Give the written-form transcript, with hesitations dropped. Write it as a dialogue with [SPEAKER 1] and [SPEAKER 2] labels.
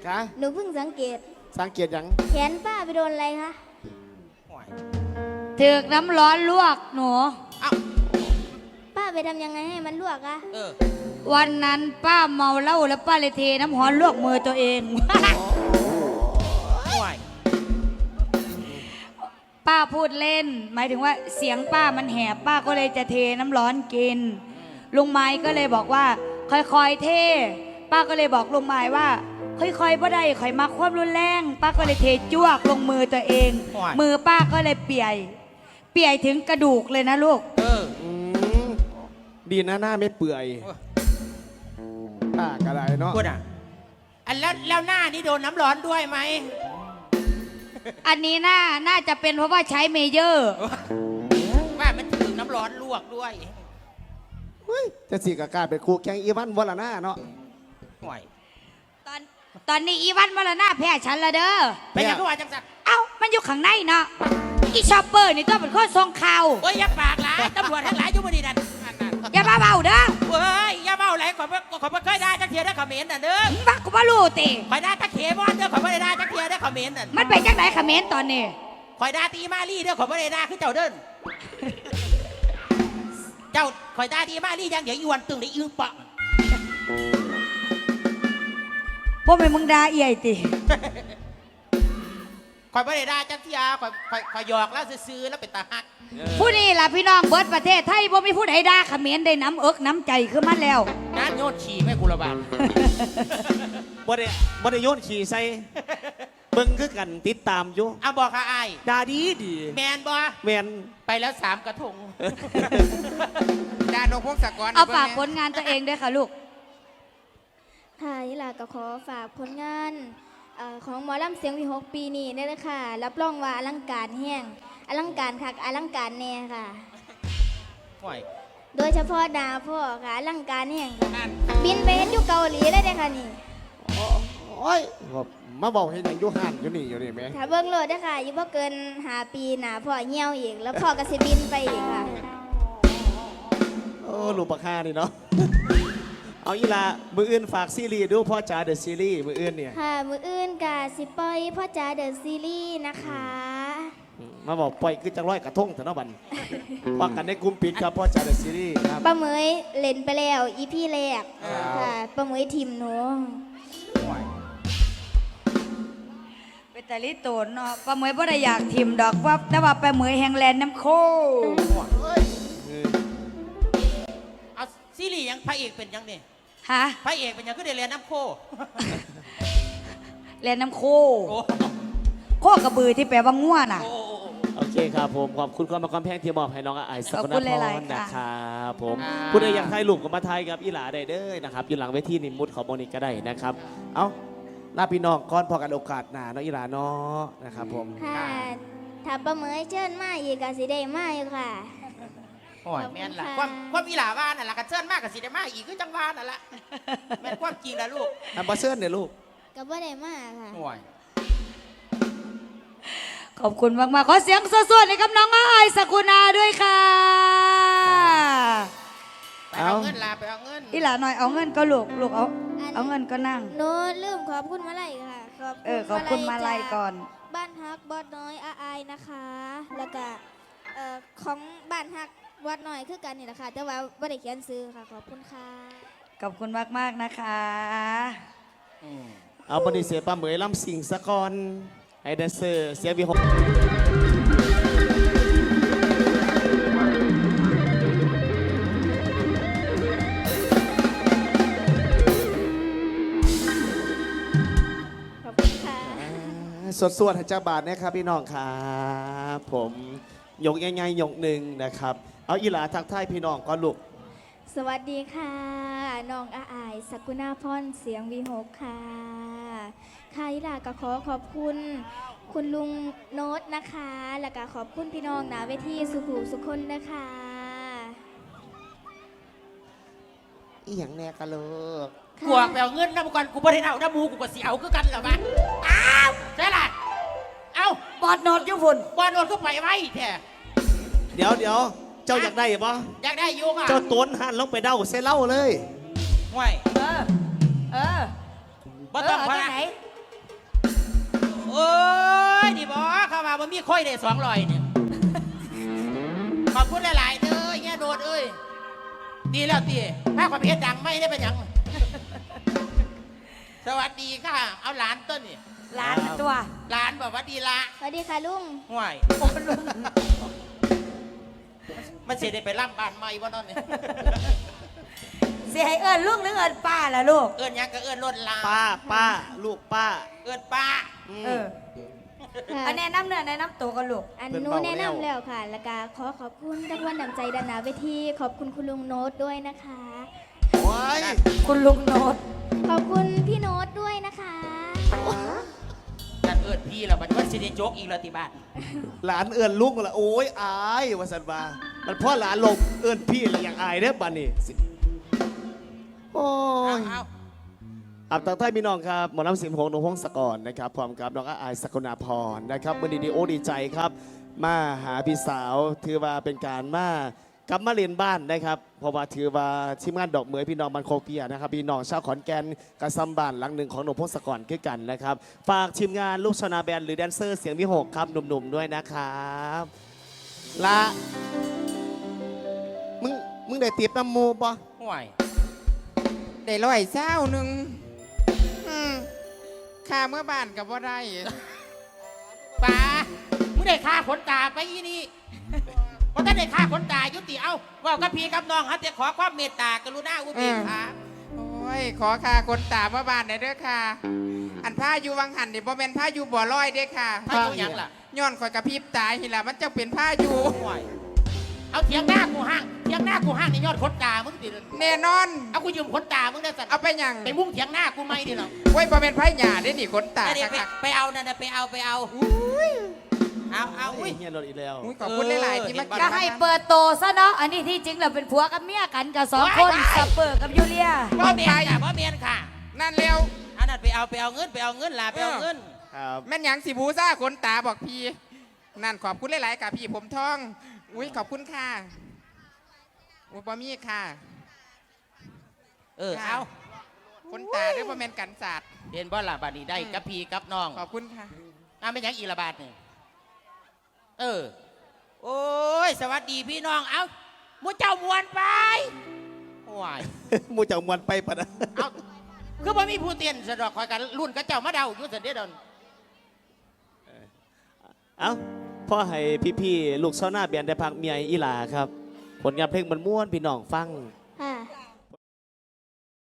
[SPEAKER 1] คะ
[SPEAKER 2] หนูเพิ่งสังเกต
[SPEAKER 1] ยัง
[SPEAKER 2] แขนป้าไปโดนอะไรคะ
[SPEAKER 3] ถึกน้ำร้อนลวกหนู
[SPEAKER 2] ป้าไปทำยังไงให้มันลวกอะ
[SPEAKER 3] วันนั้นป้าเมาเหล้าแล้วป้าเลยเทน้ำร้อนลวกมือตัวเองป้าพูดเล่นหมายถึงว่าเสียงป้ามันแหบป้าก็เลยจะเทน้ำร้อนกินลุงไม้ก็เลยบอกว่าค่อยๆเทป้าก็เลยบอกลุงไม้ว่าค่อยๆบ่ได้ค่อยมาความรุนแรงป้าก็เลยเทจ้วกลงมือตัวเองมือป้าก็เลยเปียถึงกระดูกเลยนะลูก
[SPEAKER 1] ดีนะหน้าไม่เปื่อยป้ากระไรเนาะ
[SPEAKER 4] พูดอ่ะอันแล้วหน้านี่โดนน้ำร้อนด้วยไหม
[SPEAKER 3] อันนี้น่าจะเป็นเพราะว่าใช้เมเยอร์
[SPEAKER 4] ว่ามันถึงน้ำร้อนลวกด้วย
[SPEAKER 1] จะสิกากาเป็นครูแข่งอีวันวลาน่าเนาะ
[SPEAKER 4] ห่วย
[SPEAKER 3] ตอนนี้อีวันวลาน่าแพ้ฉันละเด้อ
[SPEAKER 4] ไปยังก็ว่าจังสัก
[SPEAKER 3] เอ้ามันอยู่ข้างในเนาะอีชอปเปอร์นี่ต้องเป็นคนทรงข่าว
[SPEAKER 4] โอ้ยอย่าปากหลายตำรวจทั้งหลายอยู่บนนี้นั่น
[SPEAKER 3] อย่ามาเบาเด้อ
[SPEAKER 4] เฮ้ยอย่าเบาไหลขอไม่เคยได้จักเทียได้คอมเมนต์น่ะเด้อ
[SPEAKER 3] บักกูมารู้ติ
[SPEAKER 4] คอยได้ตะเขียบอลเด้อขอไม่ได้จักเทียได้คอมเมนต์น่ะ
[SPEAKER 3] มันเป็นจังไหนคอมเมนต์ตอนนี้
[SPEAKER 4] คอยได้ตีมาลี่เด้อขอไม่ได้คือเจ้าเดินเจ้าคอยได้ตีมาลี่ยังเดี๋ยวอีวันตึงได้ยืมปะ
[SPEAKER 3] พวกมึงด่าเอี่ยติ
[SPEAKER 4] คอยไม่ได้จักเทียคอยหยอกแล้วซื้อแล้วเป็นตาฮัก
[SPEAKER 3] ผู้นี้ล่ะพี่น้องเบิร์ดประเทศไทยบ่มีผู้ใดด่าเขมรได้น้ำเอิกน้ำใจขึ้นมาแล้ว
[SPEAKER 4] น้ำโยนฉี่แม่กุลบาล
[SPEAKER 1] บ่ได้โยนฉี่ใส่เบิ่งคือกันติดตามอยู่
[SPEAKER 4] เอาบอกค่ะไอ้
[SPEAKER 1] ด่าดี
[SPEAKER 4] แมนบ่
[SPEAKER 1] แมน
[SPEAKER 4] ไปแล้ว3 กระทงด่านงพงศกร
[SPEAKER 3] เอาฝากผลงานตัวเองด้วยค่ะลูก
[SPEAKER 2] ค่ะยี่หล่ะก็ขอฝากผลงานของหมอลำเสียงวี6ปีนี้ได้เลยค่ะรับรองว่าอลังการแห้งอลังการคักอลังการแน่ค่ะโดยเฉพาะดาพ่อค่ะอลังการแห้งค่ะบินไปเห็นอยู่เกาหลีเลยค่ะนี่
[SPEAKER 1] โอ้ยมาบอกให้ยังยุหันอยู่นี่ไหม
[SPEAKER 2] ถ้าเบิ้งโลดได้ค่ะอยู่บ่เกิน5 ปีหนาพ่อเหี่ยวอีกแล้วพ่อก็สิบินไปอีกค่ะ
[SPEAKER 1] ลูกปลาคานี่เนาะเอาอีละมืออื่นฝากซีรีส์ดูพ่อจ๋าเดอะซีรีส์มืออื่นเนี่ย
[SPEAKER 2] ค่ะมืออื่นกะสิปอยพ่อจ๋าเดอะซีรีส์นะคะ
[SPEAKER 1] มาบอกปล่อยคือจังร้อยกระทงเถอะเนาะบันว่ากันในกลุ่มปิดครับพ่อจ๋าเดอะซีรีส์ครับ
[SPEAKER 2] ป้าเหมยเล่นไปแล้วอีพี่แรกค่ะป้าเหมยทีมหนู
[SPEAKER 3] เป็นแต่ลิโตนเนาะป้าเหมยบ่ได้อยากทีมดอกว่าแต่ว่าป้าเหมยแห่งแลนน้ำโค
[SPEAKER 4] เอาซีรีส์ยังพระเอกเป็นยังเนี่ย
[SPEAKER 3] ฮะ
[SPEAKER 4] พระเอกเป็นยังก็ได้เรียนน้ำโค
[SPEAKER 3] แลนน้ำโคโคกระบือที่แปลว่าง่วน่ะ
[SPEAKER 1] โอเคครับผมขอบคุณความแพงที่มอบให้น้องไอซ์สกุลพรนะครับผมผู้ใดอยากถ่ายรูปกับมาถ่ายกับอีหลาได้เด้อนะครับอยู่หลังเวทีนิมุตของโมนิกก็ได้นะครับเอาลาพี่น้องก่อนพอกันโอกาสหน้าน้องอีหลาเนาะนะครับผม
[SPEAKER 2] ค่ะถ้าป้าเหมยเชิญมาอีกก็สิได้มาอยู่ค่ะ
[SPEAKER 4] โอ้ยแม่นล่ะความอีหลาว่านั่นล่ะกระเชิญมากกับสิได้มาอีกคือจังหวะนั่นล่ะแม่นความจริงนะลูก
[SPEAKER 1] ทำมาเชิญเนี่ยลูก
[SPEAKER 2] ก็บ่ได้มาค่ะ
[SPEAKER 4] โอ้ย
[SPEAKER 3] ขอบคุณมากๆขอเสียงสดๆให้กับน้องอ้ายสกุณาด้วยค่ะ
[SPEAKER 4] ไปเอาเงินลาไปเอาเงิน
[SPEAKER 3] อีหลาหน่อยเอาเงินก็ลูกเอาเงินก็นั่ง
[SPEAKER 2] หนูลืมขอบคุณมาลัยค่ะ
[SPEAKER 3] ขอบคุณมาลัยก่อน
[SPEAKER 2] บ้านฮักบอดน้อยอาอายนะคะแล้วก็ของบ้านฮักวัดน้อยคือกันนี่แหละค่ะแต่ว่าไม่ได้เขียนซื้อค่ะขอบคุณค่ะ
[SPEAKER 3] ขอบคุณมากๆนะคะ
[SPEAKER 1] เอาบริเสียป้าเหมยล้ำสิ่งสะกอนไอเดนเซอร์เสียวีหกสวดๆเจ้าบาทนะครับพี่น้องครับผมยกง่ายๆยกหนึ่งนะครับเอาอีหลาทักทายพี่น้องก่อนลูก
[SPEAKER 2] สวัสดีค่ะน้องอาอายสกุณาพรเสียงวีหกค่ะค่ะอีหลาก็ขอบคุณคุณลุงโน้ตนะคะแล้วก็ขอบคุณพี่น้องนะเวทีสุขุสุคนนะคะ
[SPEAKER 1] อีหยังแน่กันลูก
[SPEAKER 4] กูไปเอาเงินนะบุกกูบ่ได้เอาน้ำมูกูก็สิเอาคือกันเหรอบ้านอ้าวใช่ล่ะเอา
[SPEAKER 3] บอดโนดยุบุน
[SPEAKER 4] บอดโนดก็ไปไว้แท้
[SPEAKER 1] เดี๋ยวเจ้าอยากได้ปะ
[SPEAKER 4] อยากได้ยุงอ่ะ
[SPEAKER 1] เจ้าต้นหันลงไปเด้าเซเล่าเลย
[SPEAKER 4] ห่วย
[SPEAKER 3] บ่
[SPEAKER 4] ต้องพามีค่อยได้200เนี่ยขอบคุณหลายๆเด้อเงี้ยโดดเอ้ยดีแล้วตีถ้าความเพชรดังไม่ได้เป็นหยังสวัสดีค่ะเอาหลานต้นนี่
[SPEAKER 3] หลานตัว
[SPEAKER 4] หลานบอกว่าดีละ
[SPEAKER 2] สวัสดีค่ะลุง
[SPEAKER 4] ห่วยมันเสียได้ไปล่ำบ้านใหม่บ่นอนเนี่ย
[SPEAKER 3] เสียให้เอิญลูกหรือเอิญป้าล่ะลูก
[SPEAKER 4] เอื้อนหยังก็เอื้อนล้นลา
[SPEAKER 1] ป้าลูกป้า
[SPEAKER 4] เอื้อนป้า
[SPEAKER 3] เออ
[SPEAKER 2] ค่ะ
[SPEAKER 3] อันแนะน้ำเนื้อแนะน้ำตัวกันลูก
[SPEAKER 2] อัน
[SPEAKER 1] เพิ่น
[SPEAKER 2] หนู
[SPEAKER 1] เบา
[SPEAKER 2] แนะ
[SPEAKER 1] แล้ว
[SPEAKER 2] นำแล้วค่ะ แล้วก็ขอขอบคุณทุกคนนำใจด้านหน้าเวทีขอบคุณคุณลุงโน้ตด้วยนะคะ
[SPEAKER 1] ว้าย
[SPEAKER 3] คุณลุงโนด
[SPEAKER 2] ขอบคุณพี่โน้ตด้วยนะคะ
[SPEAKER 4] นั่นเอื้อนพี่แล้วมันว่าสิได้โจกอีกแล้วที่บ้าน
[SPEAKER 1] หลานเอื้อนลุงละโอ้ยอายว่าสันว่ามันพ่อหลานลงเอื้อนพี่ละอย่างอายเด้อบัดนี้โอ้ย
[SPEAKER 4] เอา
[SPEAKER 1] อับตังใต้พี่น้องครับหมอลำสิมพงษ์หนุ่มพงศกรนะครับพร้อมกับน้องอายสกุณาพรนะครับวันนี้ดีโอดีใจครับ มาหาพี่สาวถือว่าเป็นการมากลับมาเรียนบ้านนะครับเพราะว่าถือว่าทีมงานดอกเหมยพี่น้องมันโคเปียนะครับพี่น้องชาวขอนแก่นกระซำบ้านหลังหนึ่งของหนุ่มพงศกรคือกันนะครับฝากทีมงานลูกชนาแบนหรือแดนเซอร์เสียงวิหกครับหนุ่มๆด้วยนะครับละมึงได้ตีบน้ำมูปะ
[SPEAKER 4] ห่วย
[SPEAKER 5] ได้120ค่าเมื่อบ้านกับว่าได้
[SPEAKER 4] ป้ามึงได้ค่าขนตาไปอีนี่เพราะถ้าได้ค่าขนตายุติเอาว่ากับพี่กับน้องฮะแต่ขอความเมตตากรุณาอุเบกขา
[SPEAKER 5] โอ้ย ขอค่าคนตาเมื่อบ้านหน่อยเด้อค่ะ อันผ้าอยู่วังหันนี่บ่แม่นผ้าอยู่บ่อลอยเด้อค่ะ
[SPEAKER 4] ถ้าอยู่หยังล่ะ
[SPEAKER 5] ย้อนข่อยกระพริบตาหิล่ะมันจะเป็นผ้าอยู่
[SPEAKER 4] ห่วยเอาเถียงหน้ากูห้างเถียงหน้ากูห้างในยอดขนตามึงติ
[SPEAKER 5] แน่นอน
[SPEAKER 4] เอากูยืมขนตามึงได้สัตว์
[SPEAKER 5] เอาไปหยัง
[SPEAKER 4] ไปมุ่งเถียงหน้ากูไม่ดิหรอก
[SPEAKER 5] โอ้ยบ่แม่นไผหญ้าเด้นี่ขนตา
[SPEAKER 4] ไป
[SPEAKER 5] ค่ะ
[SPEAKER 4] ไปเอานั่นนะไปเอาเอาอุ้ย
[SPEAKER 1] เฮียรถอีกแล้ว
[SPEAKER 5] อุ้ยขอบคุณหลายๆที่มา
[SPEAKER 3] ก็ให้เปิดโตซะเนาะ อันนี้ที่จริงเราเป็นผัวกับเมียกันกับสองคนสเปอร์กับยูเลีย
[SPEAKER 4] บ่เมียนค่ะบ่เมียนค่ะ
[SPEAKER 5] นั่นเร็ว
[SPEAKER 4] อันนั้นไปเอาเงินล่ะไปเอาเงิน
[SPEAKER 1] ครับ
[SPEAKER 5] แม่นหยังสิบูซ่าขนตาบอกพี่ นั่นขอบคุณหลายๆค่ะพี่ผมทอง อุ้ยขอบคุณค่ะอุ้ยบ่มีค่ะ
[SPEAKER 4] เอา
[SPEAKER 5] ขนตาด้วยบ่แม่นกันศาสตร์
[SPEAKER 4] เห็นบ่ล่ะบัดนี้ได้กับพี่กับน้อง
[SPEAKER 5] ขอบคุณค่ะ
[SPEAKER 4] ไม่ยังอีละบาทนี่โอ้ยสวัสดีพี่น้องเอามูเจ้ามวนไปว้าย
[SPEAKER 1] มูเจ้ามวนไปปะนะ
[SPEAKER 4] เอาคือบ่มีผู้เตียนสะดอกคอยกันรุ่นกับเจ้ามาเดาอยู่สันเดียดอน
[SPEAKER 1] เอ้าพ่อให้พี่ๆลูกชาวนาเบียนได้พักเมียอีหลาครับ ผลงานเพลงมันม่วนพี่น้องฟัง